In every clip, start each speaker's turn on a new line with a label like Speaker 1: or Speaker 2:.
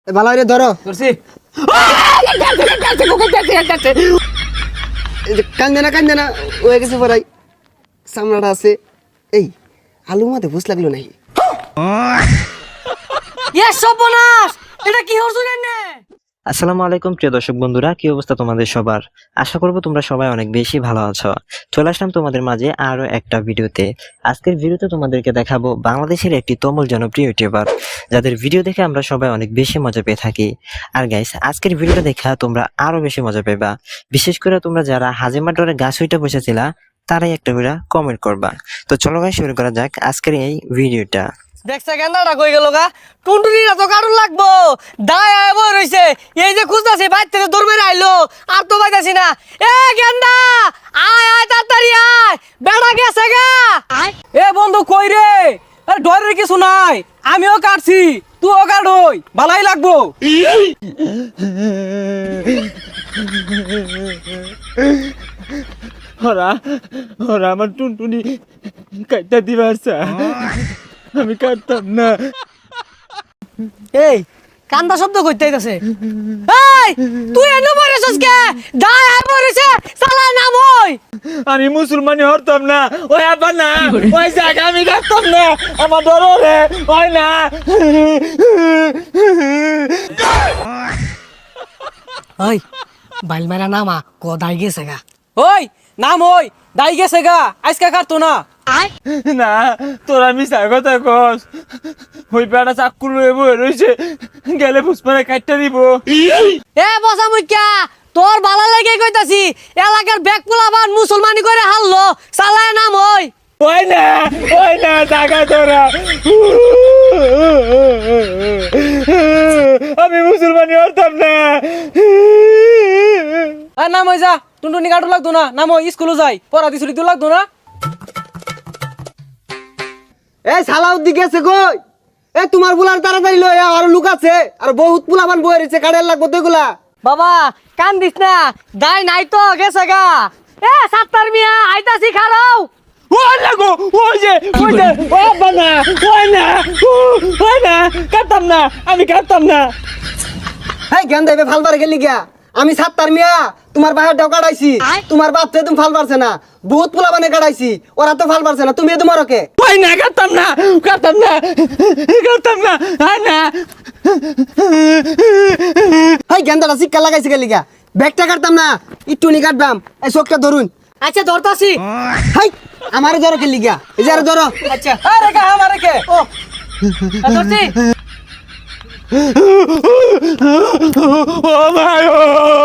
Speaker 1: ভালো করে ধরো
Speaker 2: ধরছি।
Speaker 1: কান্দে না হয়ে গেছে পড়াই সামনাটা আছে। এই আলু মাতে বুঝ লাগলো নাকি?
Speaker 2: সর্বনাশ, এটা কি হচ্ছে না?
Speaker 3: আসসালামু আলাইকুম প্রিয় দর্শক বন্ধুরা, কি অবস্থা তোমাদের সবার? আশা করব তোমরা সবাই অনেক বেশি ভালো আছো। চলে আসলাম তোমাদের মাঝে আরো একটা ভিডিওতে। আজকের ভিডিওতে তোমাদেরকে দেখাবো বাংলাদেশের একটি তমুল জনপ্রিয় ইউটিউবার, যাদের ভিডিও দেখে আমরা সবাই অনেক বেশি মজা পেয়ে থাকি। আর গাইস, আজকের ভিডিওটা দেখা তোমরা আরো বেশি মজা পেবা। বিশেষ করে তোমরা যারা হাজিমার ডরে গাছ হইটা বসেছিলা, তারাই একটা করে কমেন্ট করবা। তো চলো গাইস, শুরু করা যাক আজকের এই ভিডিওটা।
Speaker 2: দেখছে গেন্দাটা কই গেল গা? টুনটুনিরা তো কারণ লাগবো, দায় আয় বই রইছে। এই যে খুঁজতাছি, বাইর থেকে দৌড় মেরে আইলো, আর তো পাইতাছি না। এ গেন্দা, আয় আয় তাড়াতাড়ি আয়, বেড়া গেছে গা। এ বন্ধু কই রে? আরে ডরের কিছু নাই, আমিও কাটছি, তুইও কাটই, ভালাই লাগবো।
Speaker 4: ওরা ওরা আমার টুনটুনি কাটটা দিবার আমি কাটতাম না।
Speaker 2: এই কান্দা শব্দ কইতে আইতাছে। এই তুই এনে মরেছস কে? দায় আয় মরেছে, সালা নাম হই।
Speaker 4: আমি মুসলমানি হরতাম না, ওই আবার না, ওই জায়গা আমি কাটতাম না, আমার ডর রে, ওই না।
Speaker 2: ওই বাইল মেরা নামা ক দাই গেছে গা। ওই নাম ওই দাই গেছে গা, আজকে কাটতো না।
Speaker 4: না, তোরা মিশা কথা কস। ওই বেড়া চাক্কু লয়ে বয়ে রয়েছে, গেলে পুষ্পারে কাটটা দিব।
Speaker 2: এ বসা মুখ্যা, তোর বালা লেগে কইতাছি, এলাকার ব্যাগ পোলাবান মুসলমানি করে হারলো, সালায় নাম ওই।
Speaker 4: ওই না টাকা তোরা। আমি মুসলমানি হরতাম না।
Speaker 2: আর নাম ওই যা, টুনটুনি কাটু লাগতো না, নাম ওই স্কুলে যাই, পড়া দিছুলি তো লাগতো না।
Speaker 1: এই সালাউদ্দি গেছে কই? এ তোমার বুলার তাড়াতাড়ি লই আর লুক আছে আর বহুত পুলাবান বয়ে রয়েছে, কাড়ের লাগবো তো এগুলা।
Speaker 2: বাবা কান্দিস না, দাই নাই তো গেছে গা। এ সাত্তার মিয়া আইতাছি খারাও।
Speaker 4: ওই লাগো, ওই যে ও বানা, ওই না কাটতাম না, আমি কাটতাম না।
Speaker 1: হ্যাঁ জ্ঞান দেবে ফালবারে গেলি গিয়া। আমি সাত্তার মিয়া তোমার বাহারটাও কাটাইছি, তোমার বাপ তো তুমি ফাল পারছে না, বহুত পুলাবানে কাটাইছি, ওরা তো ফাল পারছে না, তুমি তোমার ওকে।
Speaker 4: ওই না কাটতাম না, আয় না।
Speaker 1: হাই গেন্দাটা শিক্ষা লাগাইছে গেলি গিয়া, ব্যাগটা কাটতাম না, একটু নি কাটবাম। এই চোখটা ধরুন।
Speaker 2: আচ্ছা ধরতাছি।
Speaker 1: হাই আমারে ধরো গেলি গিয়া, এই যে আরে ধরো।
Speaker 2: আচ্ছা আরে কা আমারে কে? ও ধরছি।
Speaker 4: ও মায়ো,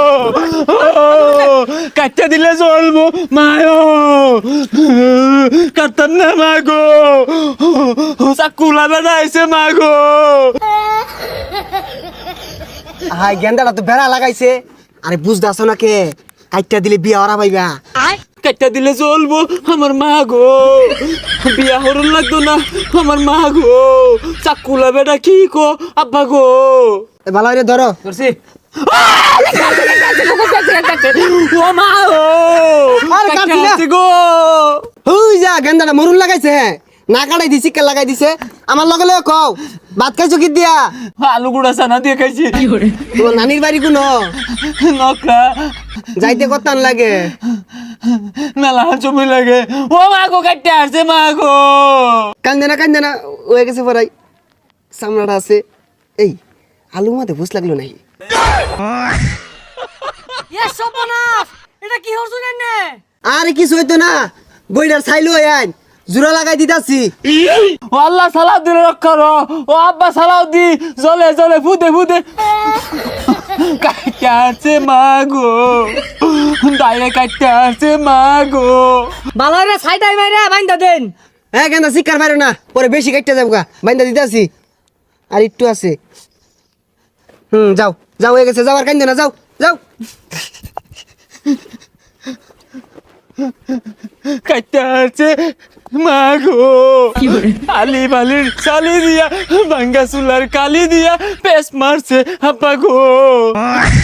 Speaker 4: কাটটা দিলে চলবো মায়ো, কাটতাম না মাগো, চাকুলা বেড়াইছে মাগো।
Speaker 1: হাই গেন্দাটা তো বেড়া লাগাইছে, আরে বুঝতে আসো না কে? কাইটটা দিলে বিয়া ওরা পাইবা।
Speaker 4: কাটটা দিলে চলবো আমার মা গো, বিয়া হরুন লাগতো না আমার মা গো, চাকুলা বেটা কি কো আব্বা গো।
Speaker 1: ভালো করে ধরো।
Speaker 2: ধরছি।
Speaker 4: ও মা ও
Speaker 1: আরে কাটছি না
Speaker 4: গো।
Speaker 1: হুই যা গেন্দাটা মরুন লাগাইছে, হ্যাঁ না কাটাই দিছি, কে লাগাই দিছে আমার লগে লগে কও। ভাত খাইছো কি দিয়া?
Speaker 4: আলু গুড়া চানা দিয়ে খাইছি।
Speaker 1: তোমার নানির বাড়ি কোন?
Speaker 4: নকরা
Speaker 1: যাইতে কতান লাগে?
Speaker 4: মেলা জমি লাগে। ও মা গো কাটতে আসছে মা গো।
Speaker 1: কান্দে না হয়ে গেছে পড়াই সামনাটা আছে। এই আলু মাতে বুঝ লাগলো নাকি?
Speaker 2: এ সর্বনাশ, এটা কি হচ্ছে না?
Speaker 1: আরে কিছু হইতো না, বইটার ছাইলো আইন জোড়া লাগাই দিতাছি।
Speaker 4: ও আল্লাহ সালাদ দিলে রক্ষা রো, ও আব্বা সালাদ দি, জলে জলে ফুদে ফুদে কাটতে আসছে মা গো, দাইরে কাটতে আসছে মা গো।
Speaker 2: বালারে ছাইটাই মাইরা বাইন্দা দেন।
Speaker 1: হ্যাঁ কেন শিকার পারো না, পরে বেশি কাটতে যাবো গা, বাইন্দা দিতাছি। আর একটু আছে। যাও যাও হয়ে গেছে, যাও আর কান্দে না, যাও যাও।
Speaker 4: কাটতে আসছে মা গো, আলি বালির চালি দিয়া, ভাঙ্গা চুলার কালি দিয়া পেস মারছে আব্বা গো।